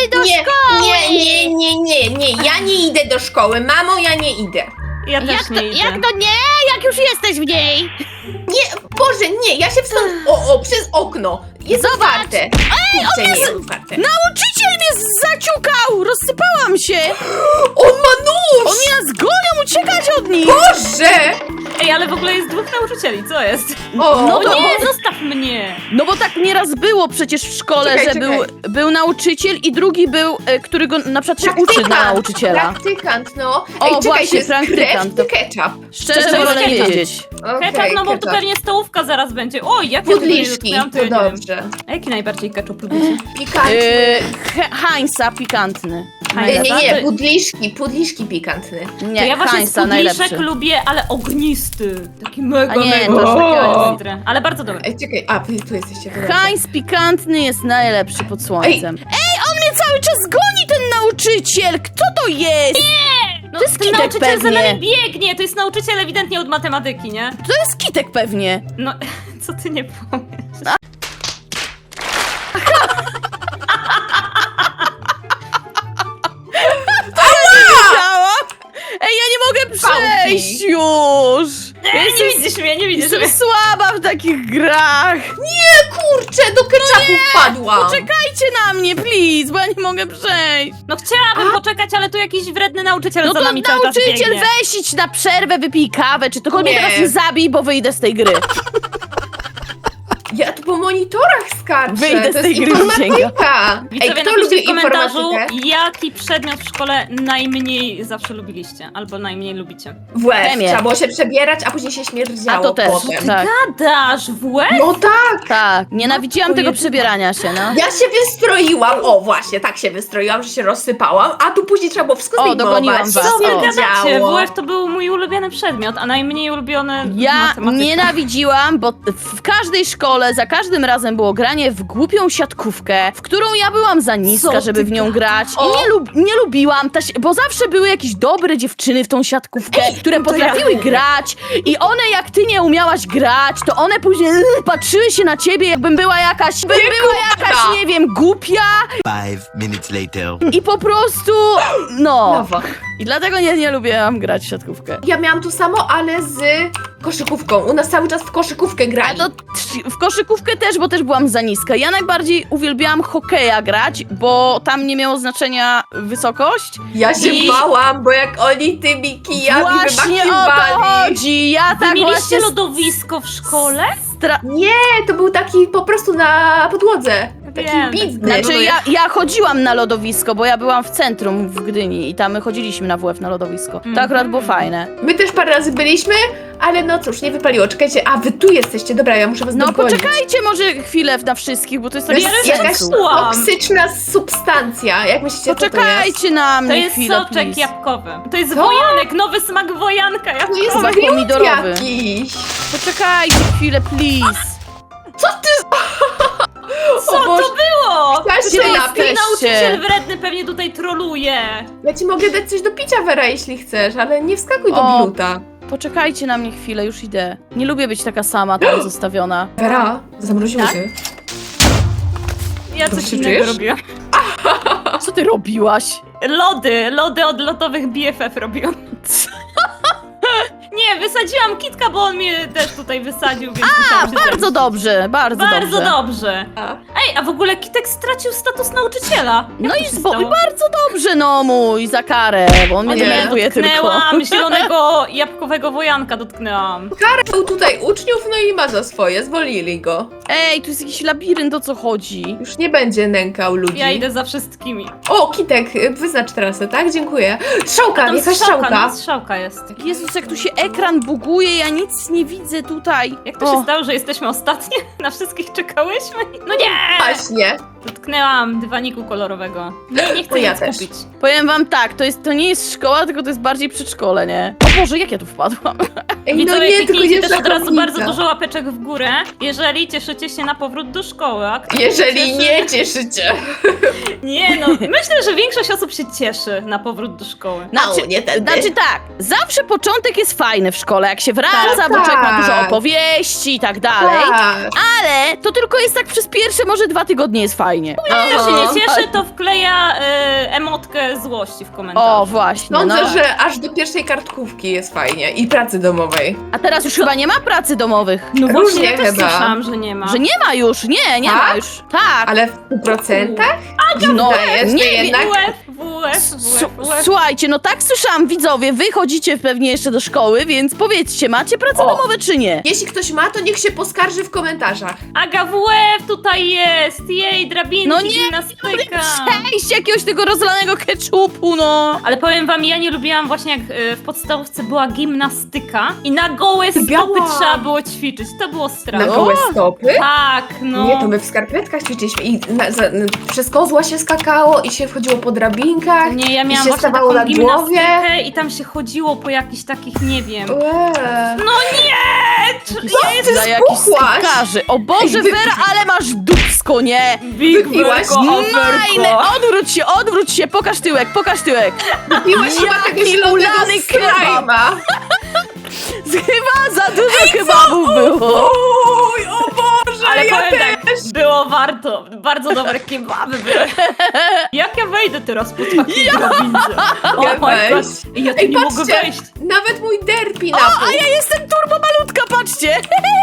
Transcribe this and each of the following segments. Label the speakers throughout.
Speaker 1: do szkoły!
Speaker 2: Nie, ja nie idę do szkoły. Mamo, ja nie idę.
Speaker 3: Ja też
Speaker 1: Jak
Speaker 3: nie
Speaker 1: to,
Speaker 3: idę.
Speaker 1: jak to nie? Jak już jesteś w niej?
Speaker 2: Nie, Boże, nie, ja się wstąd... przez okno. Jest otwarte. Kurczę, nie jest otwarte.
Speaker 4: Nauczyciel mnie zaciukał! Rozsypałam się!
Speaker 2: On ma nóż!
Speaker 4: Oni nas gonią, uciekać od nich!
Speaker 2: Boże!
Speaker 3: Ej, ale w ogóle jest dwóch nauczycieli, co jest?
Speaker 2: O,
Speaker 4: No
Speaker 3: O
Speaker 4: to-
Speaker 3: nie, zostaw mnie!
Speaker 4: No bo tak nieraz było przecież w szkole,
Speaker 2: Czekaj,
Speaker 4: że
Speaker 2: czekaj.
Speaker 4: był nauczyciel i drugi był, który go na przykład się uczy na nauczyciela.
Speaker 2: Praktykant, no.
Speaker 4: O,
Speaker 2: Ej, czekaj,
Speaker 4: właśnie,
Speaker 2: to jest
Speaker 4: praktykant.
Speaker 2: krew czy ketchup?
Speaker 4: Szczerze
Speaker 3: To
Speaker 4: wolę
Speaker 3: jest
Speaker 4: nie
Speaker 3: ketchup.
Speaker 4: wiedzieć.
Speaker 2: Okej,
Speaker 3: Ketchup, no bo to
Speaker 2: ketchup.
Speaker 3: pewnie stołówka zaraz będzie. Oj, jak ja tego nie
Speaker 2: Pudliszki,
Speaker 3: dotknęłam,
Speaker 2: to
Speaker 3: ja nie wiem.
Speaker 2: dobrze.
Speaker 3: A jaki najbardziej ketchup lubicie?
Speaker 2: Pikantny.
Speaker 4: Heinza pikantny.
Speaker 2: Nie, pudliszki pikantny.
Speaker 3: To
Speaker 4: Nie,
Speaker 3: ja właśnie z
Speaker 4: Heinza
Speaker 3: pudliszek
Speaker 4: najlepszy.
Speaker 3: lubię, ale ognisty. Taki mega,
Speaker 4: A nie,
Speaker 3: mega.
Speaker 4: to już takiego
Speaker 3: ostry. Ale bardzo dobry.
Speaker 2: Ej, czekaj, wy tu jesteście. to dobrze.
Speaker 4: Heinz pikantny jest najlepszy pod słońcem. Ej, on mnie cały czas goni, ten nauczyciel! Kto to jest?
Speaker 3: No,
Speaker 4: to jest
Speaker 3: ten
Speaker 4: Kitek
Speaker 3: nauczyciel za
Speaker 4: pewnie.
Speaker 3: nami biegnie. To jest nauczyciel ewidentnie od matematyki, nie?
Speaker 4: To jest Kitek pewnie.
Speaker 3: No, co ty nie powiesz?
Speaker 4: Działa? Ej, ja nie mogę przejść już! Ja
Speaker 3: Nie
Speaker 4: jestem,
Speaker 3: widzisz mnie, nie widzisz mnie.
Speaker 4: jestem słaba w takich grach!
Speaker 2: Kurczę, do ketchupu wpadłam.
Speaker 4: Poczekajcie na mnie, please, bo ja nie mogę przejść!
Speaker 3: No chciałabym poczekać, ale tu jakiś wredny nauczyciel
Speaker 4: No
Speaker 3: za
Speaker 4: to
Speaker 3: nami cały czas
Speaker 4: nauczyciel,
Speaker 3: biegnie.
Speaker 4: weź idź na przerwę, wypij kawę, czy tylko mnie
Speaker 2: Nie.
Speaker 4: teraz nie zabij, bo wyjdę z tej gry.
Speaker 2: Ja tu po monitorach skaczę.
Speaker 4: Wyjdę z
Speaker 2: to
Speaker 4: tej
Speaker 2: jest
Speaker 4: gry,
Speaker 2: informatyka. Ej,
Speaker 3: Widzowie,
Speaker 2: kto
Speaker 3: napiszcie
Speaker 2: lubi
Speaker 3: w komentarzu,
Speaker 2: informatykę?
Speaker 3: jaki przedmiot w szkole najmniej zawsze lubiliście, albo najmniej lubicie.
Speaker 2: W łeb.
Speaker 4: Chemię.
Speaker 2: Trzeba było się przebierać, a później się śmierdziało
Speaker 4: A to też,
Speaker 2: potem.
Speaker 4: tak.
Speaker 3: Gadasz w łeb?
Speaker 2: No tak.
Speaker 4: Tak, nienawidziłam
Speaker 3: Matko
Speaker 4: tego
Speaker 3: jedyna.
Speaker 4: przebierania się, no.
Speaker 2: Ja się wystroiłam, właśnie, tak się wystroiłam, że się rozsypałam, a tu później trzeba było wszystko
Speaker 4: O,
Speaker 2: zdejmować.
Speaker 4: dogoniłam was.
Speaker 3: Co wy
Speaker 4: O.
Speaker 3: gadacie? WF to był mój ulubiony przedmiot, a najmniej ulubiony
Speaker 4: Ja
Speaker 3: matematyka.
Speaker 4: nienawidziłam, bo w każdej szkole za każdym razem było granie w głupią siatkówkę, w którą ja byłam za niska,
Speaker 3: Co
Speaker 4: żeby
Speaker 3: ty
Speaker 4: w nią grać
Speaker 2: O.
Speaker 4: i nie lubiłam, bo zawsze były jakieś dobre dziewczyny w tą siatkówkę, które
Speaker 3: to ja
Speaker 4: potrafiły
Speaker 3: lubię.
Speaker 4: grać i one jak ty nie umiałaś grać, to one później patrzyły się na ciebie, jakbym była jakaś, nie wiem, głupia
Speaker 5: 5 minutes later.
Speaker 4: i po prostu, no.
Speaker 2: Nowo.
Speaker 4: I dlatego nie lubiłam grać w siatkówkę.
Speaker 2: Ja miałam to samo, ale z koszykówką. U nas cały czas w koszykówkę
Speaker 4: A
Speaker 2: grali.
Speaker 4: to w koszykówkę też, bo też byłam za niska. Ja najbardziej uwielbiałam hokeja grać, bo tam nie miało znaczenia wysokość.
Speaker 2: Ja się
Speaker 4: I-
Speaker 2: bałam, bo jak oni tymi kijami
Speaker 4: Właśnie o to
Speaker 2: wymachiwali.
Speaker 4: chodzi. Ja
Speaker 3: Wy
Speaker 4: tak
Speaker 3: mieliście
Speaker 4: właśnie
Speaker 3: lodowisko w szkole?
Speaker 2: Nie, to był taki po prostu na podłodze. Taki
Speaker 3: Wiem,
Speaker 2: biznes.
Speaker 4: Znaczy ja chodziłam na lodowisko, bo ja byłam w centrum w Gdyni i tam my chodziliśmy na WF na lodowisko. To akurat było fajne.
Speaker 2: My też parę razy byliśmy, ale no cóż, nie wypaliło. Czekajcie, a wy tu jesteście. Dobra, ja muszę was
Speaker 4: No
Speaker 2: dogonić.
Speaker 4: poczekajcie może chwilę na wszystkich, bo to jest
Speaker 2: To
Speaker 4: tak
Speaker 2: jest
Speaker 3: Ja
Speaker 2: jakaś
Speaker 4: sensu.
Speaker 3: Słucham.
Speaker 2: toksyczna substancja. Jak myślicie, co to jest?
Speaker 4: Poczekajcie na
Speaker 3: To
Speaker 4: mnie
Speaker 3: jest
Speaker 4: chwilę,
Speaker 3: soczek
Speaker 4: please.
Speaker 3: jabłkowy. To jest
Speaker 2: Co?
Speaker 3: wojanek, nowy smak wojanka
Speaker 2: To
Speaker 3: jabłkowy.
Speaker 2: jest
Speaker 4: Chyba
Speaker 2: miód
Speaker 4: pomidorowy.
Speaker 2: jakiś.
Speaker 4: Poczekajcie chwilę, please.
Speaker 2: Co ty?
Speaker 3: Co to było?
Speaker 2: Chciałaś
Speaker 4: Gdzie
Speaker 2: się
Speaker 4: wy
Speaker 2: napić?
Speaker 4: jesteście?
Speaker 3: Nauczyciel wredny pewnie tutaj troluje.
Speaker 2: Ja ci mogę dać coś do picia, Wera, jeśli chcesz, ale nie wskakuj do
Speaker 4: O.
Speaker 2: gluta.
Speaker 4: Poczekajcie na mnie chwilę, już idę. Nie lubię być taka sama tam zostawiona.
Speaker 2: Wera, zamroziło
Speaker 3: Tak?
Speaker 2: się.
Speaker 3: Ja
Speaker 2: Dobrze
Speaker 3: coś
Speaker 2: się
Speaker 3: innego
Speaker 2: czujesz?
Speaker 3: robiłam.
Speaker 4: Co ty robiłaś?
Speaker 3: Lody od lotowych BFF robiłam. Nie, wysadziłam Kitka, bo on mnie też tutaj wysadził, więc musiałam się
Speaker 4: Bardzo
Speaker 3: zemścić.
Speaker 4: dobrze, bardzo dobrze.
Speaker 3: Dobrze. Ej, a w ogóle Kitek stracił status nauczyciela.
Speaker 4: No
Speaker 3: Jak
Speaker 4: i
Speaker 3: to się stało?
Speaker 4: bardzo dobrze, no mój, za karę, bo on mnie
Speaker 2: Nie.
Speaker 4: denerwuje tylko.
Speaker 3: Dotknęłam zielonego jabłkowego wojanka, dotknęłam.
Speaker 2: Był tutaj uczniów, no i ma za swoje, zwolnili go.
Speaker 4: Ej, tu jest jakiś labirynt, o co chodzi?
Speaker 2: Już nie będzie nękał ludzi.
Speaker 3: Ja idę za wszystkimi.
Speaker 2: O, Kitek, wyznacz trasę, tak? Dziękuję. Strzałka,
Speaker 3: Tam
Speaker 2: jakaś
Speaker 3: strzałka,
Speaker 2: strzałka.
Speaker 3: no, strzałka jest.
Speaker 4: Jezus, jak tu się ekran buguje, ja nic nie widzę tutaj.
Speaker 3: Jak to się stało, że jesteśmy ostatnie? Na wszystkich czekałyśmy? No nie!
Speaker 2: Właśnie.
Speaker 3: Dotknęłam dywaniku kolorowego. Nie chcę
Speaker 2: O, ja
Speaker 3: nic
Speaker 2: też.
Speaker 3: kupić.
Speaker 4: Powiem wam tak, to nie jest szkoła, tylko to jest bardziej przedszkole, nie? O Boże, jak ja tu wpadłam?
Speaker 2: Ej, no
Speaker 3: Widzowie,
Speaker 2: nie, tylko
Speaker 3: kliknijcie
Speaker 2: nie
Speaker 3: też od razu
Speaker 2: szachownica.
Speaker 3: bardzo dużo łapeczek w górę, jeżeli cieszycie się na powrót do szkoły. A kto się
Speaker 2: Jeżeli
Speaker 3: cieszy?
Speaker 2: nie cieszycie.
Speaker 3: Nie no, myślę, że większość osób się cieszy na powrót do szkoły.
Speaker 2: Nie tędy.
Speaker 4: Znaczy tak, zawsze początek jest fajny w szkole, jak się wraca,
Speaker 2: Tak,
Speaker 4: bo człowiek ma dużo
Speaker 2: tak.
Speaker 4: opowieści i tak dalej.
Speaker 2: Tak.
Speaker 4: Ale to tylko jest tak przez pierwsze może 2 tygodnie jest fajnie.
Speaker 3: Kto się nie cieszy, to wkleja emotkę złości w komentarzu.
Speaker 4: O, właśnie,
Speaker 2: Sądzę,
Speaker 4: no.
Speaker 2: że aż do pierwszej kartkówki jest fajnie i pracy domowej.
Speaker 4: A teraz już chyba nie ma pracy domowych.
Speaker 3: No właśnie,
Speaker 2: Różnie
Speaker 3: ja też
Speaker 2: chyba.
Speaker 3: słyszałam, że nie ma.
Speaker 4: Że nie ma już, nie
Speaker 2: Tak?
Speaker 4: ma już. Tak.
Speaker 2: Ale w procentach?
Speaker 4: No,
Speaker 2: Dajesz,
Speaker 4: nie
Speaker 2: że
Speaker 4: wiem.
Speaker 2: jednak...
Speaker 4: Słuchajcie, no tak słyszałam, widzowie, wy chodzicie pewnie jeszcze do szkoły, więc powiedzcie, macie prace
Speaker 2: O.
Speaker 4: domowe czy nie?
Speaker 2: Jeśli ktoś ma, to niech się poskarży w komentarzach.
Speaker 3: Aga WF tutaj jest! Jej, drabinki,
Speaker 4: No nie,
Speaker 3: gimnastyka.
Speaker 4: Przejść jakiegoś tego rozlanego keczupu, no.
Speaker 3: Ale powiem wam, ja nie lubiłam właśnie jak w podstawówce była gimnastyka i na gołe stopy
Speaker 2: Lubiałam.
Speaker 3: trzeba było ćwiczyć. To było
Speaker 2: Na
Speaker 3: straszne.
Speaker 2: gołe stopy?
Speaker 3: Tak, no.
Speaker 2: Nie, to my w skarpetkach ćwiczyliśmy i przez kozła się skakało i się wchodziło po drabinkach.
Speaker 3: Nie, ja
Speaker 2: i
Speaker 3: miałam
Speaker 2: się
Speaker 3: właśnie
Speaker 2: stawało
Speaker 3: taką
Speaker 2: na głowie.
Speaker 3: gimnastykę i tam się chodziło po jakichś takich, nie wiem.
Speaker 2: No
Speaker 3: Nie!
Speaker 4: Za jakichś
Speaker 2: spuchłaś?
Speaker 4: stkarzy. O Boże,
Speaker 2: Ej, wy-
Speaker 4: Wera, ale masz dupsko, nie?
Speaker 3: Big
Speaker 2: Wypiłaś?
Speaker 4: Majne, odwróć się, pokaż tyłek, pokaż tyłek.
Speaker 2: Piłeś chyba tego
Speaker 4: Jaki
Speaker 2: zielonego
Speaker 4: ulany kebab.
Speaker 2: slajma.
Speaker 4: Chyba za dużo kebabów było.
Speaker 2: Uj, o Boże,
Speaker 3: Ale
Speaker 2: ja
Speaker 3: powiem
Speaker 2: też.
Speaker 3: tak, było warto. Bardzo dobre kebaby były. Jak ja wejdę teraz po takiej drabince?
Speaker 2: Mogę
Speaker 3: Oh my God.
Speaker 2: wejść.
Speaker 3: Ja tu
Speaker 2: Ej,
Speaker 3: nie mogę
Speaker 2: patrzcie,
Speaker 3: wejść.
Speaker 2: nawet mój derpi na
Speaker 4: A ja jestem turbo malutka, patrzcie.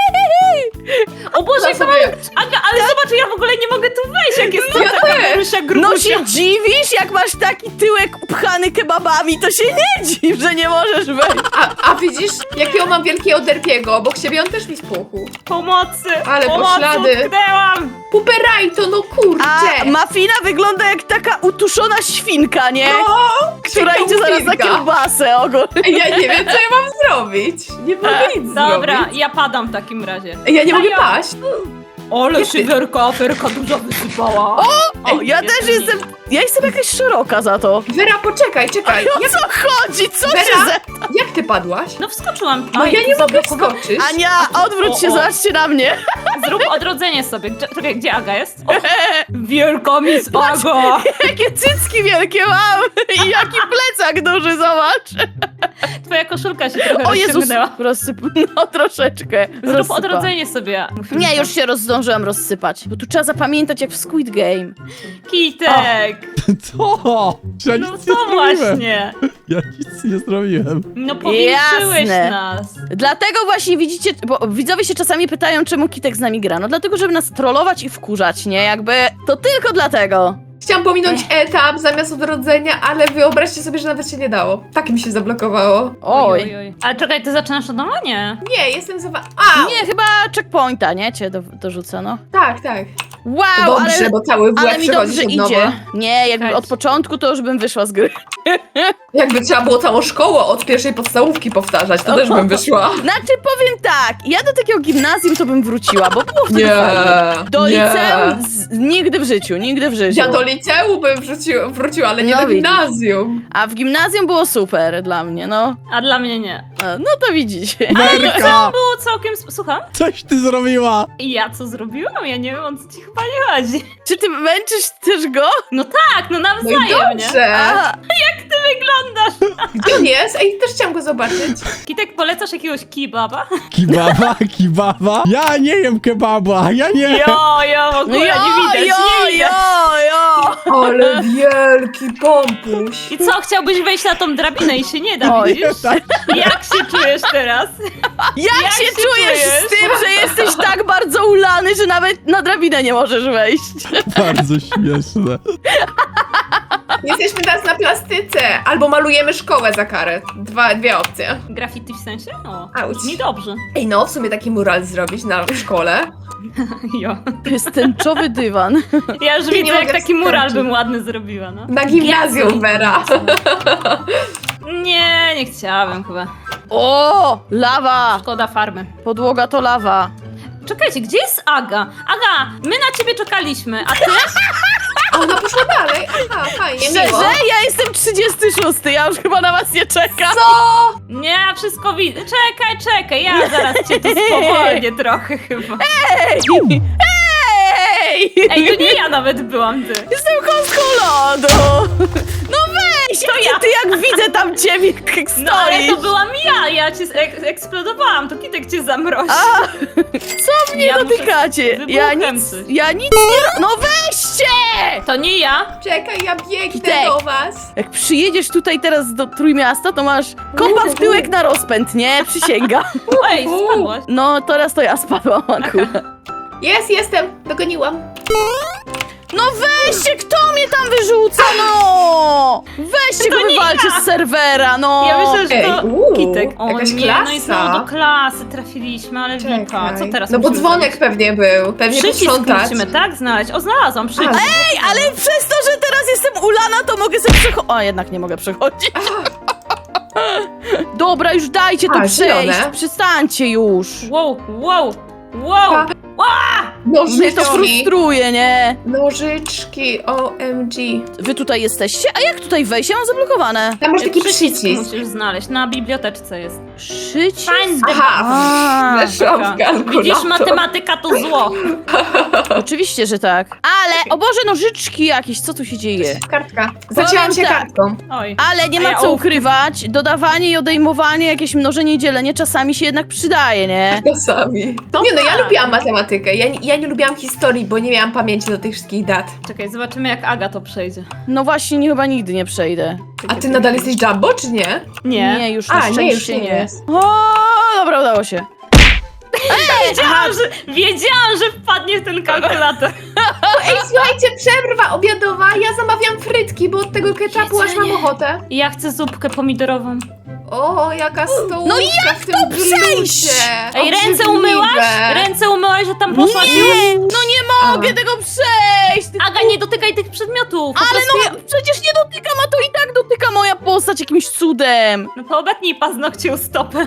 Speaker 3: O Boże,
Speaker 2: Ja
Speaker 3: jak to
Speaker 2: sobie-
Speaker 3: Aga, ale zobacz, ja w ogóle nie mogę tu wejść, jak jest
Speaker 2: Ja
Speaker 3: taka
Speaker 2: też.
Speaker 3: Marysia
Speaker 4: No
Speaker 3: grubusia.
Speaker 4: się dziwisz, jak masz taki tyłek upchany kebabami, to się nie dziw, że nie możesz wejść.
Speaker 2: A widzisz, jakiego mam wielkiego derpiego, obok siebie on też mi spuchł.
Speaker 3: Pomocy!
Speaker 2: Ale
Speaker 3: Pomocy,
Speaker 2: poślady.
Speaker 3: utknęłam!
Speaker 2: Puperajto, no
Speaker 4: A
Speaker 2: kurczę.
Speaker 4: Mafina wygląda jak taka utuszona świnka, nie?
Speaker 2: No,
Speaker 4: Która idzie zaraz na
Speaker 2: świnka.
Speaker 4: kiełbasę ogólnie.
Speaker 2: Ja nie wiem, co ja mam zrobić. Nie mogę nic
Speaker 3: Dobra,
Speaker 2: zrobić.
Speaker 3: ja padam w takim razie.
Speaker 2: Ja nie mogę
Speaker 3: ja-
Speaker 2: paść.
Speaker 3: Ale szyderka, aferka dużo wysypała.
Speaker 4: O, ja też jestem, ja jestem jakaś szeroka za to.
Speaker 2: Wera, poczekaj, czekaj.
Speaker 4: O co chodzi? Co się
Speaker 2: Wera,
Speaker 4: ze...
Speaker 2: jak ty padłaś?
Speaker 3: No wskoczyłam.
Speaker 2: No
Speaker 3: Aj,
Speaker 2: ja nie mogę
Speaker 3: zablokowałam.
Speaker 2: wskoczyć.
Speaker 4: Ania, odwróć się,
Speaker 3: O, o.
Speaker 4: zobaczcie na mnie.
Speaker 3: Zrób odrodzenie sobie. Czekaj, gdzie Aga jest? O, wielka Miss Aga!
Speaker 4: Jakie cycki wielkie mam i jaki plecak duży, zobacz.
Speaker 3: Twoja koszulka się trochę
Speaker 4: O Jezus,
Speaker 3: rozciągnęła.
Speaker 4: no troszeczkę.
Speaker 3: Zrób
Speaker 4: rozsypa.
Speaker 3: odrodzenie sobie.
Speaker 4: Nie, już się zdążyłam rozsypać, bo tu trzeba zapamiętać jak w Squid Game.
Speaker 3: Kitek!
Speaker 6: Co? Ja
Speaker 3: No
Speaker 6: nic nie
Speaker 3: to
Speaker 6: zrobiłem.
Speaker 3: właśnie.
Speaker 6: Ja nic nie zrobiłem.
Speaker 3: No powiększyłeś
Speaker 4: Jasne.
Speaker 3: nas.
Speaker 4: Dlatego właśnie widzicie, bo widzowie się czasami pytają, czemu Kitek z nami gra. No dlatego, żeby nas trollować i wkurzać, nie? Jakby to tylko dlatego.
Speaker 2: Chciałam pominąć etap zamiast odrodzenia, ale wyobraźcie sobie, że nawet się nie dało. Tak mi się zablokowało.
Speaker 4: Oj.
Speaker 3: Ale czekaj, ty zaczynasz od nowa? Nie.
Speaker 2: Nie, jestem za... A,
Speaker 4: Nie, chyba checkpointa, nie? Cię dorzucę, no.
Speaker 2: tak, tak.
Speaker 4: Wow,
Speaker 2: Dobrze,
Speaker 4: ale,
Speaker 2: bo cały w
Speaker 4: ale
Speaker 2: łeb
Speaker 4: mi
Speaker 2: przechodzisz
Speaker 4: dobrze
Speaker 2: od nowa.
Speaker 4: idzie. Nie, jakby
Speaker 3: Czekajcie.
Speaker 4: od początku to już bym wyszła z gry.
Speaker 2: Jakby trzeba było całą szkołę od pierwszej podstawówki powtarzać, to też bym wyszła.
Speaker 4: Znaczy powiem tak, ja do takiego gimnazjum to bym wróciła, bo było wtedy fajnie. Do
Speaker 2: nie.
Speaker 4: liceum nigdy w życiu, nigdy w życiu.
Speaker 2: Ja do liceum bym wróciła, ale nie
Speaker 4: No
Speaker 2: do
Speaker 4: widzisz.
Speaker 2: gimnazjum.
Speaker 4: A w gimnazjum było super dla mnie, no.
Speaker 3: A dla mnie nie.
Speaker 4: No to widzicie.
Speaker 6: Werka!
Speaker 3: Było całkiem... Słucham?
Speaker 6: Coś ty zrobiła!
Speaker 3: I ja co zrobiłem? Ja nie wiem, o co ci chyba nie chodzi.
Speaker 4: Czy ty męczysz też go?
Speaker 3: No tak, no
Speaker 2: No i
Speaker 3: nawzajem, nie?
Speaker 2: dobrze.
Speaker 4: A,
Speaker 3: Ty wyglądasz.
Speaker 2: Gdzie on jest? Ej, też chciałam go zobaczyć.
Speaker 3: Kitek, polecasz jakiegoś kebaba?
Speaker 6: Kebaba, kebaba? Ja nie jem kebaba, ja nie!
Speaker 3: Jo, w ogóle nie widać, nie widać.
Speaker 4: jo.
Speaker 2: Ale wielki pompuś.
Speaker 3: I co, chciałbyś wejść na tą drabinę i się nie da,
Speaker 4: Oj.
Speaker 3: widzisz? Jak się czujesz teraz?
Speaker 4: Jak się
Speaker 3: się
Speaker 4: czujesz z tym, że jesteś tak bardzo ulany, że nawet na drabinę nie możesz wejść?
Speaker 6: Bardzo śmieszne.
Speaker 2: Jesteśmy teraz na plastyce. Albo malujemy szkołę za karę. Dwie opcje.
Speaker 3: Graffiti w sensie? O,
Speaker 2: Auć.
Speaker 3: brzmi dobrze.
Speaker 2: Ej, no, w sumie taki mural zrobić w szkole.
Speaker 3: Jo.
Speaker 4: To jest tęczowy dywan.
Speaker 3: Ja już
Speaker 2: Nie
Speaker 3: widzę, jak
Speaker 2: mogę
Speaker 3: taki mural
Speaker 2: wskoczyć.
Speaker 3: bym ładny zrobiła, no.
Speaker 2: Na gimnazjum, Vera.
Speaker 3: Nie chciałabym chyba.
Speaker 4: O, lawa.
Speaker 3: Szkoda farmy.
Speaker 4: Podłoga to lawa.
Speaker 3: Czekajcie, gdzie jest Aga? Aga, my na ciebie czekaliśmy, a ty?
Speaker 2: A ona poszła dalej. Aha, fajnie, miło.
Speaker 4: Szczerze, ja jestem 36, ja już chyba na was nie czekam.
Speaker 2: Co?
Speaker 3: Nie, wszystko widzę. Czekaj, ja zaraz cię tu spowolnię trochę chyba.
Speaker 4: Ej! Ej!
Speaker 3: Ej, to nie ja nawet byłam, ty.
Speaker 4: Jestem koskulą! No weź!
Speaker 3: To ja.
Speaker 4: Ty jak widzę tam ciebie, jak
Speaker 3: No ale
Speaker 4: stoisz.
Speaker 3: to byłam ja cię eksplodowałam, to Kitek cię zamrozi.
Speaker 4: Co mnie
Speaker 3: Ja muszę
Speaker 4: dotykacie?
Speaker 3: wybuchem coś.
Speaker 4: Ja nic nie... No weźcie!
Speaker 3: To nie ja.
Speaker 2: Czekaj, ja biegnę
Speaker 4: Kitek.
Speaker 2: do was.
Speaker 4: Jak przyjedziesz tutaj teraz do Trójmiasta, to masz kompa w tyłek na rozpęd, nie? Przysięgam.
Speaker 3: Ej, spadłaś.
Speaker 4: No, teraz to ja spadłam akurat.
Speaker 2: Jestem, dogoniłam.
Speaker 4: No weźcie, kto mnie tam wyrzuca, no! Weźcie go,
Speaker 3: To nie
Speaker 4: wywalcie
Speaker 3: ja.
Speaker 4: z serwera, no!
Speaker 3: Ja myślę, że to
Speaker 2: Ej,
Speaker 3: Kitek. O
Speaker 2: jakaś
Speaker 3: nie,
Speaker 2: klasa.
Speaker 3: no i znowu do klasy trafiliśmy, ale Wika, co teraz
Speaker 2: No bo
Speaker 3: musimy
Speaker 2: dzwonek
Speaker 3: zrobić?
Speaker 2: pewnie był. Pewnie
Speaker 3: Przycisk
Speaker 2: posprzątać.
Speaker 3: musimy, tak? Znaleźć. O, znalazłam przycisk.
Speaker 4: Ej, ale przez to, że teraz jestem ulana, to mogę sobie przechodzić. O, jednak nie mogę przechodzić. Dobra, już dajcie to
Speaker 2: A,
Speaker 4: przejść.
Speaker 2: zielone.
Speaker 4: Przestańcie już.
Speaker 3: Wow.
Speaker 4: Mnie to
Speaker 2: Nożyczki.
Speaker 4: frustruje, nie?
Speaker 2: Nożyczki, OMG.
Speaker 4: Wy tutaj jesteście? A jak tutaj wejść? Ja mam zablokowane.
Speaker 2: Tam masz taki
Speaker 3: Przycisk
Speaker 2: przycisk.
Speaker 3: musisz znaleźć, na biblioteczce jest.
Speaker 4: Przycisk?
Speaker 3: Find the
Speaker 2: Aha,
Speaker 4: A,
Speaker 2: weszłam w kalkulator.
Speaker 3: Widzisz, matematyka to zło.
Speaker 4: Oczywiście, że tak. Ale, o Boże, nożyczki jakieś, co tu się dzieje?
Speaker 2: Kartka. Zacięłam się
Speaker 4: tak.
Speaker 2: kartką.
Speaker 3: Oj.
Speaker 4: Ale nie
Speaker 3: A
Speaker 4: ma
Speaker 3: ja
Speaker 4: co
Speaker 3: ołówkiem.
Speaker 4: ukrywać. Dodawanie i odejmowanie, jakieś mnożenie i dzielenie czasami się jednak przydaje, nie?
Speaker 2: Czasami.
Speaker 3: To
Speaker 2: Nie no, ja
Speaker 3: tak.
Speaker 2: lubiłam matematykę. Ja nie lubiłam historii, bo nie miałam pamięci do tych wszystkich dat.
Speaker 3: Czekaj, zobaczymy jak Aga to przejdzie.
Speaker 4: No właśnie, chyba nigdy nie przejdę.
Speaker 2: A ty nadal jesteś Jumbo, czy nie?
Speaker 3: Nie.
Speaker 4: Nie, już na
Speaker 2: A, nie, już
Speaker 4: szczęście
Speaker 2: nie
Speaker 4: nie.
Speaker 2: jest.
Speaker 4: O, dobra, udało się.
Speaker 3: Wiedziałam, że wpadnie w ten kalkulator.
Speaker 2: Ej, słuchajcie, przerwa obiadowa. Ja zamawiam frytki, bo od tego ketchupu aż mam
Speaker 4: Jedzenie.
Speaker 2: ochotę.
Speaker 3: Ja chcę zupkę pomidorową.
Speaker 2: O, jaka stołówka
Speaker 4: No jak
Speaker 2: w tym
Speaker 4: to przejść?
Speaker 2: bluzie.
Speaker 3: Ej, ręce
Speaker 2: Obrzydliwe.
Speaker 3: umyłaś? Ręce umyłaś, że tam poszłaś już?
Speaker 4: Nie, no nie mogę
Speaker 2: A.
Speaker 4: tego przejść.
Speaker 3: Aga, nie dotykaj tych przedmiotów. Po
Speaker 4: Ale
Speaker 3: prostu
Speaker 4: no, przecież nie dotykam, a to i tak dotyka moja postać jakimś cudem.
Speaker 3: No to obetnij paznokcie u stopy.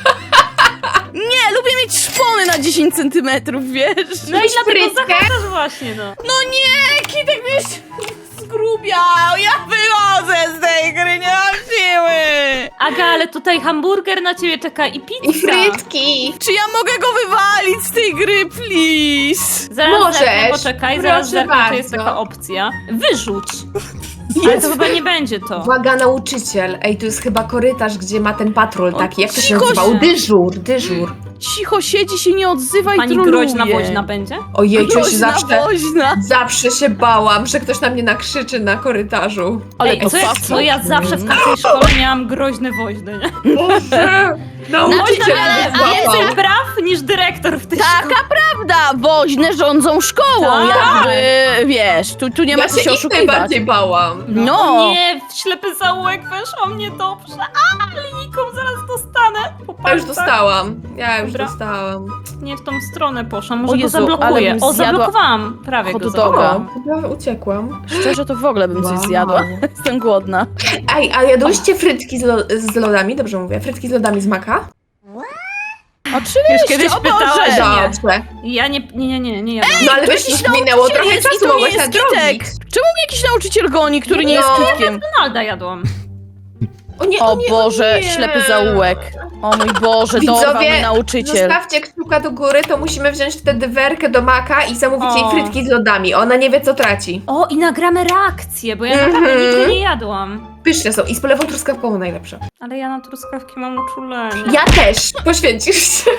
Speaker 4: Nie, lubię mieć szpony na 10 centymetrów, wiesz?
Speaker 3: No i dlatego
Speaker 2: Frytkę?
Speaker 3: zachęcasz właśnie, no.
Speaker 4: No nie, Kitek mnie zgrubiał. Ja wychodzę z tej gry, nie mam siły.
Speaker 3: Aga, ale tutaj hamburger na ciebie czeka i
Speaker 2: I
Speaker 3: pizza.
Speaker 2: frytki.
Speaker 4: Czy ja mogę go wywalić z tej gry, please?
Speaker 3: Zaraz
Speaker 2: Możesz.
Speaker 3: zerknę, poczekaj, zaraz
Speaker 2: Proszę
Speaker 3: zerknę, czy jest
Speaker 2: bardzo.
Speaker 3: taka opcja. Wyrzuć. Ale to chyba nie będzie to.
Speaker 2: Uwaga, nauczyciel. Ej, tu jest chyba korytarz, gdzie ma ten patrol taki. Jak to się
Speaker 4: cicho
Speaker 2: nazywał?
Speaker 3: się.
Speaker 2: Dyżur.
Speaker 4: Cicho siedzi, się nie odzywa i
Speaker 3: Pani
Speaker 4: troluje.
Speaker 3: groźna woźna będzie?
Speaker 2: Ojej, coś
Speaker 4: Groźna woźna.
Speaker 2: zawsze się bałam, że ktoś na mnie nakrzyczy na korytarzu.
Speaker 4: Ale
Speaker 3: Ej,
Speaker 4: to
Speaker 3: co, co ja zawsze w każdej szkole miałam groźne woźny, nie?
Speaker 2: Boże! Nauczyciel
Speaker 3: Ale
Speaker 2: mnie złapał.
Speaker 3: więcej praw niż dyrektor w tej szkole.
Speaker 4: Taka prawda, woźne rządzą szkołą,
Speaker 2: Tak.
Speaker 4: jakby, wiesz, tu nie ma
Speaker 2: Ja
Speaker 4: co się
Speaker 2: się ich
Speaker 4: oszukiwać.
Speaker 2: najbardziej bałam.
Speaker 4: No,
Speaker 3: Nie, w ślepy zaułek weszło mnie dobrze. A, linijką zaraz dostanę. Po
Speaker 2: Ja już
Speaker 3: palcach.
Speaker 2: dostałam. Ja już
Speaker 3: Dobra.
Speaker 2: dostałam.
Speaker 3: Nie w tą stronę poszłam,
Speaker 4: O
Speaker 3: może go
Speaker 4: Jezu, ale
Speaker 3: zablokuję.
Speaker 4: bym
Speaker 3: O,
Speaker 4: zjadła
Speaker 3: zablokowałam. Prawie
Speaker 4: hot
Speaker 3: go
Speaker 4: doga.
Speaker 3: zablokowałam.
Speaker 2: Chyba uciekłam.
Speaker 4: szczerze to w ogóle bym coś
Speaker 2: Wow.
Speaker 4: zjadła. Jestem głodna.
Speaker 2: Ej, a jadłyście frytki z lodami? Dobrze mówię. Frytki z lodami z maka?
Speaker 4: Oczywiście,
Speaker 3: kiedyś
Speaker 4: o
Speaker 3: pytałaś,
Speaker 4: Boże.
Speaker 3: nie.
Speaker 2: Dobrze.
Speaker 3: Ja nie jadłam.
Speaker 2: No ale wiesz,
Speaker 4: jakiś
Speaker 2: już minęło
Speaker 4: nauczyciel
Speaker 2: trochę
Speaker 4: jest i
Speaker 2: czasu,
Speaker 4: to nie
Speaker 2: mogłaś
Speaker 4: jest
Speaker 2: nadrobić.
Speaker 4: Kitek. Czemu mnie jakiś nauczyciel goni, który nie jest
Speaker 2: No.
Speaker 4: Kitkiem?
Speaker 3: Donalda jadłam.
Speaker 2: O nie,
Speaker 4: O
Speaker 2: nie,
Speaker 4: Boże,
Speaker 2: nie.
Speaker 4: ślepy zaułek. O mój Boże, dorwał mnie
Speaker 2: Widzowie,
Speaker 4: nauczyciel.
Speaker 2: zostawcie kciuka do góry, to musimy wziąć wtedy werkę do maka i zamówić jej
Speaker 3: O.
Speaker 2: frytki z lodami. Ona nie wie, co traci.
Speaker 3: O, i nagramy reakcję, bo ja naprawdę nigdy nie jadłam.
Speaker 2: Pyszne są i z polewą truskawkową najlepsze.
Speaker 3: Ale ja na truskawki mam uczulenie.
Speaker 2: Ja też. Poświęcisz się.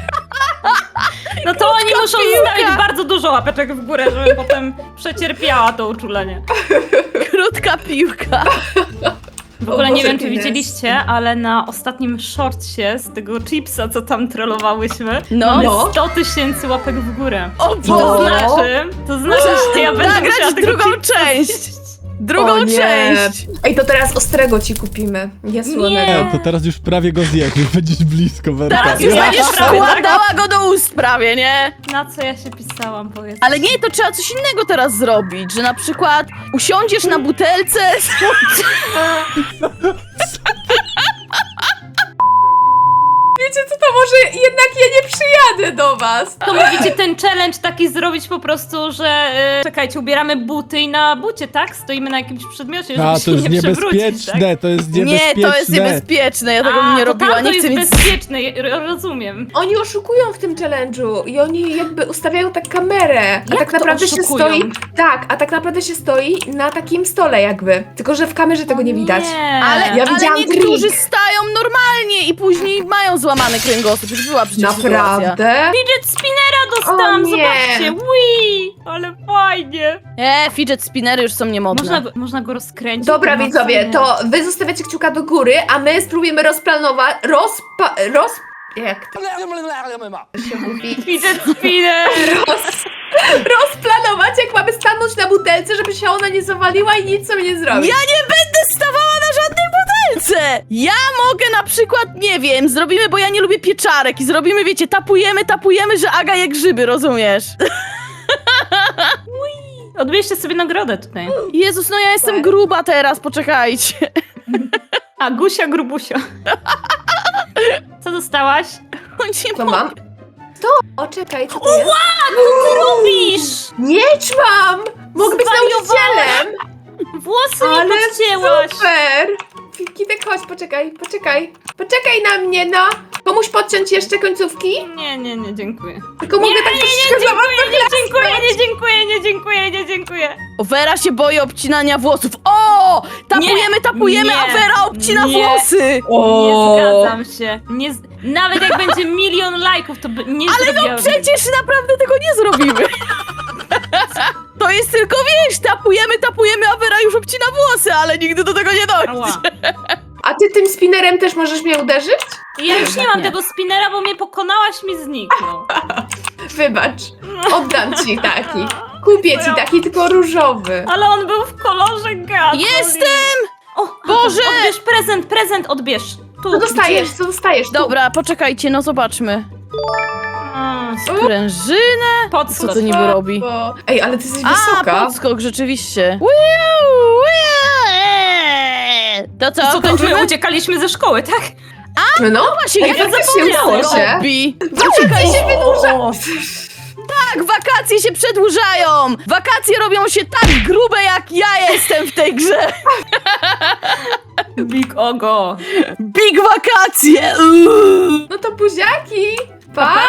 Speaker 3: No to oni muszą
Speaker 4: piłka.
Speaker 3: zostawić bardzo dużo łapeczek w górę, żebym potem przecierpiała to uczulenie.
Speaker 4: Krótka piłka.
Speaker 3: W ogóle
Speaker 2: O
Speaker 3: nie
Speaker 2: Boże,
Speaker 3: wiem, czy
Speaker 2: Ines.
Speaker 3: widzieliście, ale na ostatnim shortcie z tego chipsa, co tam trollowałyśmy,
Speaker 4: No.
Speaker 3: mamy
Speaker 2: No.
Speaker 3: 100 000 łapek w górę.
Speaker 4: O
Speaker 3: To
Speaker 4: Boże.
Speaker 3: znaczy, że ja będę musiała
Speaker 4: Nagrać
Speaker 3: tego
Speaker 4: drugą
Speaker 3: chipsa
Speaker 4: część.
Speaker 3: zjeść.
Speaker 4: Drugą
Speaker 2: O nie.
Speaker 4: część.
Speaker 2: Ej, to teraz ostrego ci kupimy. Nie słonego.
Speaker 3: Nie.
Speaker 6: To teraz już prawie go zjesz, już będziesz blisko, Werka.
Speaker 3: Teraz już
Speaker 6: Ja-
Speaker 3: będziesz
Speaker 4: Będziesz wkładała go do ust prawie, nie?
Speaker 3: Na co ja się pisałam, powiedz.
Speaker 4: Ale nie, to trzeba coś innego teraz zrobić, że na przykład usiądziesz na butelce.
Speaker 2: Wiecie co, to może jednak ja nie przyjadę. jadę do was.
Speaker 3: To mówicie ten challenge taki zrobić po prostu, że czekajcie, ubieramy buty i na bucie, tak? Stoimy na jakimś przedmiocie, żeby
Speaker 6: A,
Speaker 3: się
Speaker 6: to jest
Speaker 3: nie przewrócić,
Speaker 6: niebezpieczne,
Speaker 3: tak?
Speaker 6: to jest
Speaker 4: Nie,
Speaker 6: niebezpieczne.
Speaker 4: to jest niebezpieczne, ja tego bym nie robiła,
Speaker 3: to
Speaker 4: nie chcę
Speaker 3: jest
Speaker 4: mieć...
Speaker 3: bezpieczne, rozumiem.
Speaker 2: Oni oszukują w tym challenge'u i oni jakby ustawiają tak kamerę. A
Speaker 3: Jak
Speaker 2: tak
Speaker 3: to
Speaker 2: naprawdę się
Speaker 3: oszukują?
Speaker 2: stoi. Tak, a tak naprawdę się stoi na takim stole jakby. Tylko że w kamerze tego nie widać.
Speaker 3: Nie.
Speaker 4: Ale,
Speaker 2: Ja
Speaker 4: ale
Speaker 2: widziałam
Speaker 4: niektórzy
Speaker 2: trik.
Speaker 4: stają normalnie i później mają złamany kręgosłup. Już była przecież sytuacja.
Speaker 2: Naprawdę?
Speaker 3: Fidget spinnera dostałam,
Speaker 2: O nie.
Speaker 3: zobaczcie, Wii! Ale fajnie.
Speaker 4: Fidget spinnery już są niemodne.
Speaker 3: Można go rozkręcić.
Speaker 2: Dobra
Speaker 3: No,
Speaker 2: widzowie,
Speaker 3: nie.
Speaker 2: to wy zostawiacie kciuka do góry, a my spróbujemy rozplanować. Jak to się mówi?
Speaker 3: Fidget spinner!
Speaker 2: Rozplanować, jak mamy stanąć na butelce, żeby się ona nie zawaliła i nic sobie nie zrobić.
Speaker 4: Ja nie będę stawała na żadnej butelce! Ja mogę na przykład, nie wiem, zrobimy, bo ja nie lubię pieczarek i zrobimy, wiecie, tapujemy, że Aga je grzyby, rozumiesz?
Speaker 3: Odbierzcie sobie nagrodę tutaj.
Speaker 4: Jezus, no ja jestem gruba teraz, poczekajcie.
Speaker 3: A, Gusia Grubusia. Co dostałaś?
Speaker 4: Nie
Speaker 2: Co
Speaker 4: mogę.
Speaker 2: mam? To, o czekaj, co to jest?
Speaker 3: Co ty robisz?
Speaker 2: Miecz mam! Mogę być nauczycielem!
Speaker 3: Włosy mi
Speaker 2: Ale
Speaker 3: podcięłaś.
Speaker 2: super! Kitek, chodź, poczekaj na mnie, no! Pomóż podciąć jeszcze końcówki?
Speaker 3: Nie, dziękuję.
Speaker 2: Tylko mogę tak troszeczkę za mocno
Speaker 3: Nie dziękuję.
Speaker 4: O, Vera się boi obcinania włosów. O! Tapujemy,
Speaker 3: nie,
Speaker 4: a Vera obcina
Speaker 3: nie.
Speaker 4: włosy!
Speaker 3: Nie zgadzam się. Nawet jak będzie 1 000 000 lajków, to nie
Speaker 4: Ale no
Speaker 3: zrobiłabym.
Speaker 4: przecież naprawdę tego nie zrobimy. To jest tylko, wiesz, tapujemy, a Vera już obcina włosy, ale nigdy do tego nie dojdzie.
Speaker 3: Ała.
Speaker 2: A ty tym spinnerem też możesz mnie uderzyć?
Speaker 3: Ja już nie mam tego spinnera, bo mnie pokonałaś, mi zniknął.
Speaker 2: Wybacz, oddam ci taki. Kupię ci taki, tylko różowy.
Speaker 3: Ale on był w kolorze gazu.
Speaker 4: Jestem!
Speaker 3: O,
Speaker 4: Boże!
Speaker 3: Odbierz prezent, odbierz. Tu,
Speaker 2: Co dostajesz? Tu.
Speaker 4: Dobra, poczekajcie, no zobaczmy. Sprężynę? Co
Speaker 3: Podskocz.
Speaker 4: to niby robi?
Speaker 2: Ej, ale ty jesteś
Speaker 4: A,
Speaker 2: wysoka.
Speaker 4: podskok, rzeczywiście. To co,
Speaker 3: Co to,
Speaker 4: kończymy?
Speaker 3: my uciekaliśmy ze szkoły, tak?
Speaker 2: No,
Speaker 4: Właśnie,
Speaker 2: ja
Speaker 4: jak
Speaker 2: faktycznie
Speaker 3: zapomniałam.
Speaker 2: udało się.
Speaker 4: robi?
Speaker 2: Wakacje się wydłuża.
Speaker 4: Tak, wakacje się przedłużają! Wakacje robią się tak grube, jak ja jestem w tej grze!
Speaker 3: Big Ogo.
Speaker 4: Big wakacje!
Speaker 2: No to buziaki. Pa!